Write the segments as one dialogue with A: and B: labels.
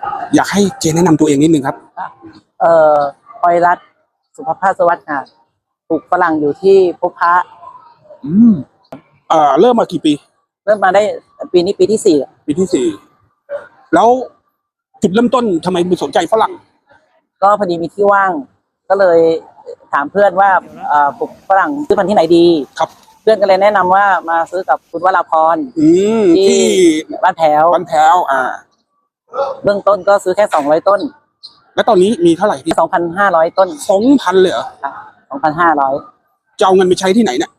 A: อยากให้เจแนะนำตัวเองนิดนึงครับ
B: เอ่อพลอยรัตน์สุภภาสวัสดิ์ค่ะปลูกฝรั่งอยู่ที่พบพระ
A: อืมเริ่มมากี่ปี
B: เริ่มมาได้ปีนี้ปีที่4
A: ปีที่สี่แล้วจุดเริ่มต้นทำไมมึงสนใจฝรั่ง
B: ก็พอดีมีที่ว่าง ก็เลยถามเพื่อนว่าปลูกฝรั่งซื้อพันธุ์ที่ไหนดี
A: ครับ
B: เพื่อนก็เลยแนะนำว่ามาซื้อกับคุณวราพรที่บ้านแถวเบื้องต้นก็ซื้อแค่200ต้น
A: แล้วตอนนี้มีเท่าไหร่ที่
B: 2,500ต้น
A: 2,000เลยเหรอ
B: 2,500
A: จะเอาเงินไปใช้ที่ไหนเนี่ย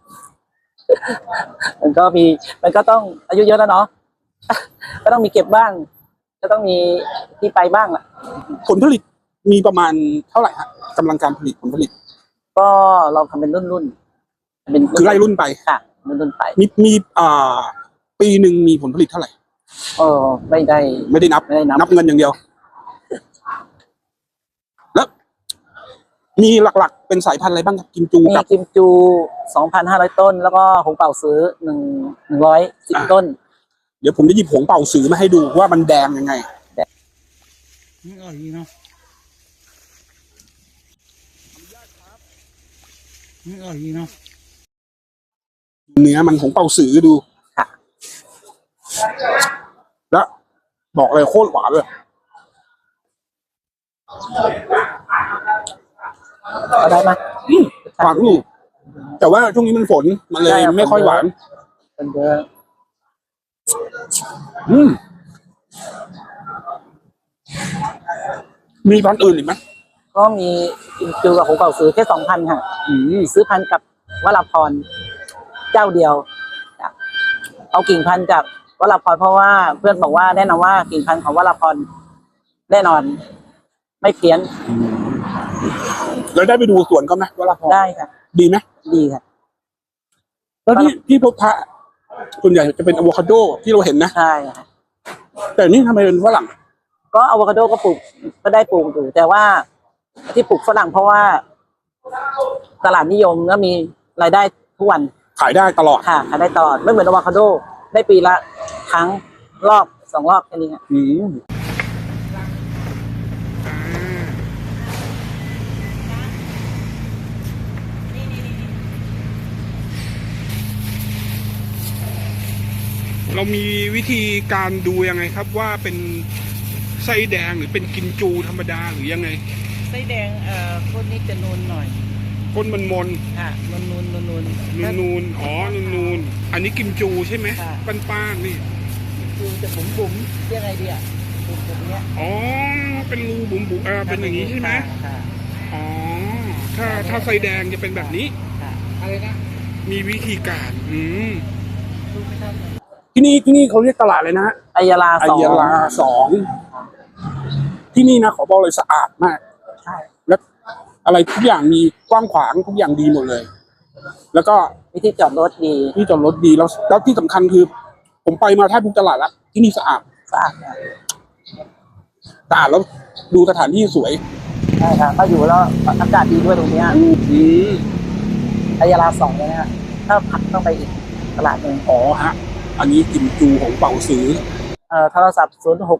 B: มันก็ต้องอายุเยอะแล้วเนาะก็ต้องมีเก็บบ้างก็ต้องมีที่ไปบ้างแหละ
A: ผลผลิตมีประมาณเท่าไหร่ฮะกำลังการผลิตผลผลิต
B: ก็เราทำเป็นรุ่นเป็น
A: คือไล่รุ่นไป
B: ค่ะรุ่นไป
A: มีปีหนึ่งมีผลผลิตเท่าไหร่
B: ไม่ได้
A: นับเงินอย่างเดียวแล้วมีหลักๆเป็นสายพันธุ์อะไรบ้างครับกิมจู
B: มีกิมจู 2,500 ต้นแล้วก็หงเป่าซื้อ110ต้น
A: เดี๋ยวผมจะหยิบผงเป่าสือมาให้ดูว่ามันแดงยังไง
C: นี่อร่อยดีเนาะนี่อร่อยดีเนาะ
A: เนื้อมันผงเป่าสือดู
B: ค่ะ
A: แล้วบอกเลยโคตรหวานเลย
B: ได้ไหม
A: หวานอยู่แต่ว่าช่วงนี้มันฝนมันเลยไม่ค่อยหวาน
B: เป็นเยอะ
A: มีพันธุ์อื่นอีกไหม
B: ก็มีกิมจูกับหงเป่าซื้อแค่2,000ค่ะซื้อพันธุ์กับวราพรเจ้าเดียวเอากิ่งพันธุ์จากวราพรเพราะว่าเพื่อนบอกว่าแนะนำว่ากิ่งพันธุ์ของวราพรแน่นอนไม่เพี้ยน
A: แล้วได้ไปดูสวนเขาไหมวราพร
B: ได้ค่ะ
A: ดีไหม
B: ดีค่ะ
A: แล้วที่พบพระส่วนใหญ่จะเป็นอะโวคาโดที่เราเห็นนะ
B: ใช่ค่ะ
A: แต่นี่ทำไมเป็นฝรั่ง
B: ก็อะโวคาโดก็ปลูกก็ได้ปลูกอยู่แต่ว่าที่ปลูกฝรั่งเพราะว่าตลาดนิยมแล้วมีรายได้ทุกวัน
A: ขายได้ตลอด
B: ค่ะขายได้ตลอดไม่เหมือนอะโวคาโดได้ปีละครั้งรอบ2รอบแค่นี้ค่ะ
A: เรามีวิธีการดูยังไงครับว่าเป็นไส้แดงหรือเป็นกิมจูธรรมดาหรือยังไง
B: ไส้แดงก้นนี้จะนูนหน่อย
A: ก้นมันมน
B: ค่ะนูน
A: อ๋อนูนอันนี้กิมจูใช่ไหมป้านนี่
B: คือจะบุ๋มเรียกไงดีอ่ะบุ๋มเนี้ย
A: อ๋อเป็นรูบุ๋มเป็นอย่างนี้ใช่ไหมอ๋อถ้าไส้แดงจะเป็นแบบนี้
B: อะไรนะ
A: มีวิธีการที่นี่เขาเรียกตลาดเลยนะ
B: อัยรา
A: 2ที่นี่นะขอบอกเลยสะอาดมาก
B: ใช่
A: แล้วอะไรทุกอย่างมีกว้างขวางทุกอย่างดีหมดเลยแล้วก็
B: ที่จอดรถดี
A: แล้วที่สำคัญคือผมไปมาแทบทุกตลาดแล้วที่นี่สะอาดแล้วดูสถานที่สวย
B: ใช่ครับก็อยู่แล้วอากาศดีด้วยตรงนี้อัยรา2เลยนะฮะถ้าผักต้องไปอีกตลาดหนึ่ง
A: อ๋อฮะอันนี้กิมจูของเป่าซื้อ
B: โทรศัพท์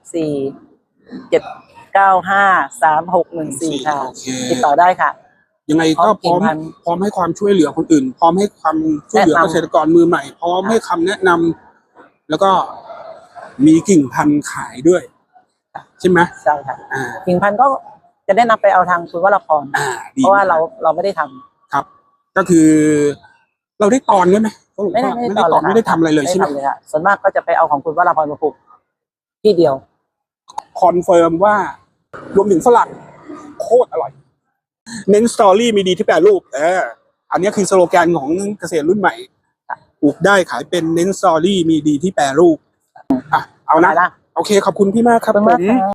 B: 064-795-3614ค่ะติดต่อได้ค่ะ
A: ยังไงก็พร้อมให้ความช่วยเหลือคนอื่นพร้อมให้ความช่วยเหลือเกษตรกรมือใหม่พร้อมให้คำแนะนำแล้วก็มีกิ่งพันธุ์ขายด้วยใช่ไหม
B: ใช่ค่ะกิ่งพันธุ์ก็จะได้นำไปเอาทางคุณวราพรเพราะว่าเราไม่ได้ทำ
A: ครับก็คือเราได้ตอนด้วยไหม
B: ไม่ได้ตอน
A: ไม่ได้ทำอะไรเลยใช่ไหม
B: ส่วนมากก็จะไปเอาของคุณวราพรมาปลูกที่เดียว
A: คอนเฟิร์มว่ารวมถึงฝรั่งโคตรอร่อยเน้นสตอรี่มีดีที่แปรรูปอันนี้คือสโลแกนของเกษตรรุ่นใหม่ปลูกได้ขายเป็นเน้นสตอรี่มีดีที่แปรรูปเอานะโอเคขอบคุณพี่มากครับผม